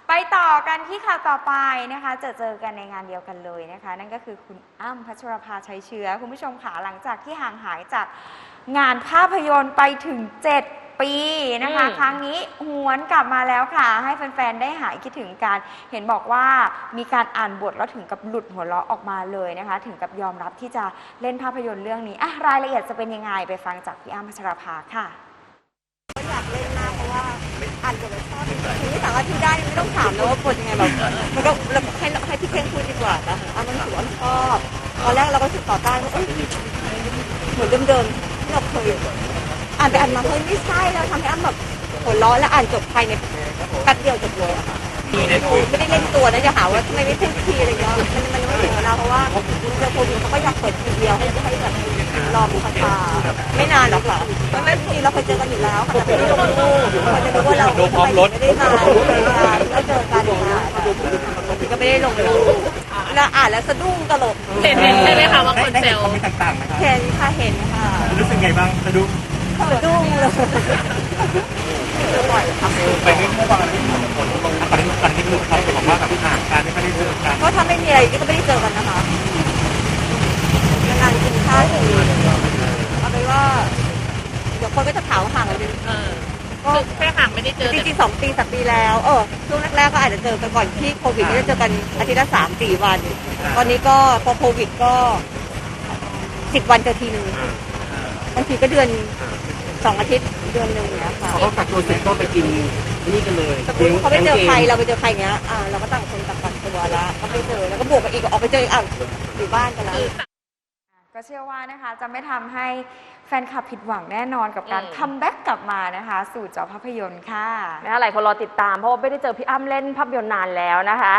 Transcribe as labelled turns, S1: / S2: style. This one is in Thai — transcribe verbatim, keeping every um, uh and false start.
S1: ไปต่อกันที่ข่าวต่อไปนะคะจะเจอกันในงานเดียวกันเลยนะคะนั่นก็คือคุณอ้ำพัชรภาชัยเชื้อคุณผู้ชมค่ะหลังจากที่ห่างหายจากงานภาพยนตร์ไปถึงเจ็ดปีนะคะครั้งนี้หวนกลับมาแล้วค่ะให้แฟนๆได้หายคิดถึงกันเห็นบอกว่ามีการอ่านบทแล้วถึงกับหลุดหัวเราะออกมาเลยนะคะถึงกับยอมรับที่จะเล่นภาพยนตร์เรื่องนี้อ่ะรายละเอียดจะเป็นยังไงไปฟังจากพี่อ้ำพัชรภาค่ะ
S2: ก็อยากเล่นมากเพราะว่าอ่านบทแล้วชอบจริงๆที่สามารถที่ได้ไม่ต้องถามแล้วว่าบทยังไงแบบมันก็ให้ให้พี่เพ่งพูดดีกว่านะอ่ะมันถือว่าชอบตอนแรกเราก็รู้สึกต่อต้านว่าเอ้ยเหมือนเดิมๆที่เราเคยอ่านไปอ่านมาเฮ้ยไม่ใช่แล้วทำให้อ้ำแบบหัวร้อนแล้วอ่านจบภายในแป๊บเดียวจบเลยอะค่ะไม่ได้เล่นตัวนะจะหาว่าทำไมไม่พูดทีอะไรเงี้ยมันมันไม่ถึงเวลาเพราะว่าเจอโควิดเขาก็อยากเปิดทีเดียวให้ให้แบบรอผู้คาไม่นานหรอกค่ะเพราะไม่ทีเราเคยเจอกันอยู่แล้วค่ะแต่ไม่ได้ลงรูปเขาจะรู้ว่าเราไม่ได้มาแล้วเจอกันค่ะก็ไม่ได้ลงรูปแล้วอ่านแล้วสะดุ้งตลก
S3: เห็นใช่ไหมคะว่าคนเซล
S4: ไม่ต่างๆไหมครับ
S2: เห็นค่ะเห็นค่ะ
S4: รู้สึกไงบ้างสะดุ้ง
S2: สะดุ้งเลยเจอบ่อยค่ะ
S4: ไปเรื่องเมื่อวานที่ผมคนลงตอนนี้ตอนนี้คือเขาบอกว่าแบบห่างกันไม่ได้เจอกัน
S2: ก็ถ้าไม่มีอะไรก็ไม่ได้เจอกันนะคะนานกินข้าวทีเอาไปว่าเดี๋ยวคนก็จะถามว่าห่างกัน
S3: ก็แค่ห่างไม่ได้เจอ
S2: จริงๆสองปีสามปีแล้วเออช่วงแรกๆก็อาจจะเจอกันก่อนที่โควิดก็จะเจอกันอาทิตย์ละสามสี่วันตอนนี้ก็พอโควิดก็สิบวันเจอทีนึงบางทีก็เดือนสองอาทิตย์เดือนหนึ่งเนี้ยค่ะ
S4: เขากักตัวเสร็จก็ไปกินนี่กันเลย
S2: เขาไปเจอใครเราไปเจอใครเงี้ยอ่าเราก็ต่างคนต่างกักตัวแล้วก็ไปเจอแล้วก็บวกกันอีกออกไปเจออ่ะอยู่บ้านกันแล้ว
S1: ก็เชื่อว่านะคะจะไม่ทำให้แฟนคลับผิดหวังแน่นอนกับการคัมแบ็กกลับมานะคะสู่จอภาพยนตร์ค่ะ
S3: นะคะหลายคนรอติดตามเพราะว่าไม่ได้เจอพี่อ้ำเล่นภาพยนตร์นานแล้วนะคะ